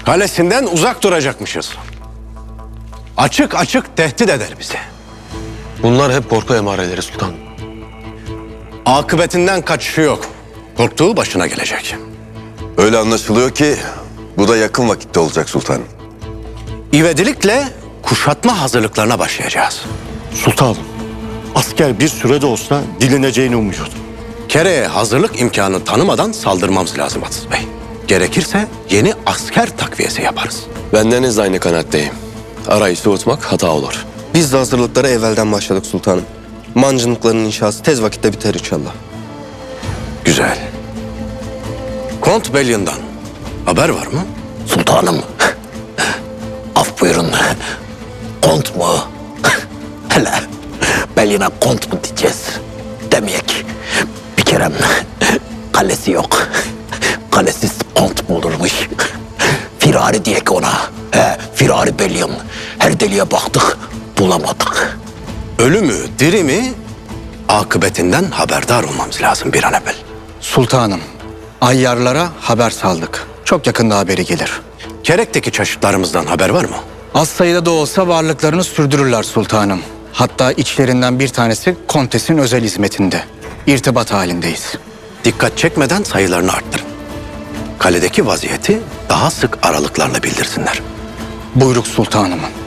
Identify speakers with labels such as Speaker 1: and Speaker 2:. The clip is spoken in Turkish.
Speaker 1: Kalesinden uzak duracakmışız. Açık açık tehdit eder bizi.
Speaker 2: Bunlar hep korku emareleri sultanım.
Speaker 1: Akıbetinden kaçışı yok. Korktuğu başına gelecek.
Speaker 3: Öyle anlaşılıyor ki bu da yakın vakitte olacak sultanım.
Speaker 1: İvedilikle kuşatma hazırlıklarına başlayacağız.
Speaker 4: Sultanım, asker bir sürede olsa dilineceğini umuyordum.
Speaker 1: Kere'ye hazırlık imkanı tanımadan saldırmamız lazım Aziz Bey. Gerekirse yeni asker takviyesi yaparız.
Speaker 2: Bendeniz aynı kanaatteyim. Arayı soğutmak hata olur.
Speaker 5: Biz de hazırlıklara evvelden başladık sultanım. Mancınıkların inşası tez vakitte biter inşallah.
Speaker 1: Güzel. Kont Bellion'dan haber var mı?
Speaker 6: Sultanım, af buyurun. Kont mu? Hele beline kont mu diyeceğiz? Demeyek. Bir kerem kalesi yok. Kalesiz kont mu olurmuş? Firari diyek ona. Firari Bellion. Her deliğe baktık, bulamadık.
Speaker 1: Ölü mü, diri mi? Akıbetinden haberdar olmamız lazım bir an evvel.
Speaker 7: Sultanım, ayyarlara haber saldık. Çok yakında haberi gelir.
Speaker 1: Kerek'teki çeşitlerimizden haber var mı?
Speaker 7: Az sayıda da olsa varlıklarını sürdürürler sultanım. Hatta içlerinden bir tanesi kontesin özel hizmetinde. İrtibat halindeyiz.
Speaker 1: Dikkat çekmeden sayılarını arttırın. Kaledeki vaziyeti daha sık aralıklarla bildirsinler.
Speaker 7: Buyruk sultanım.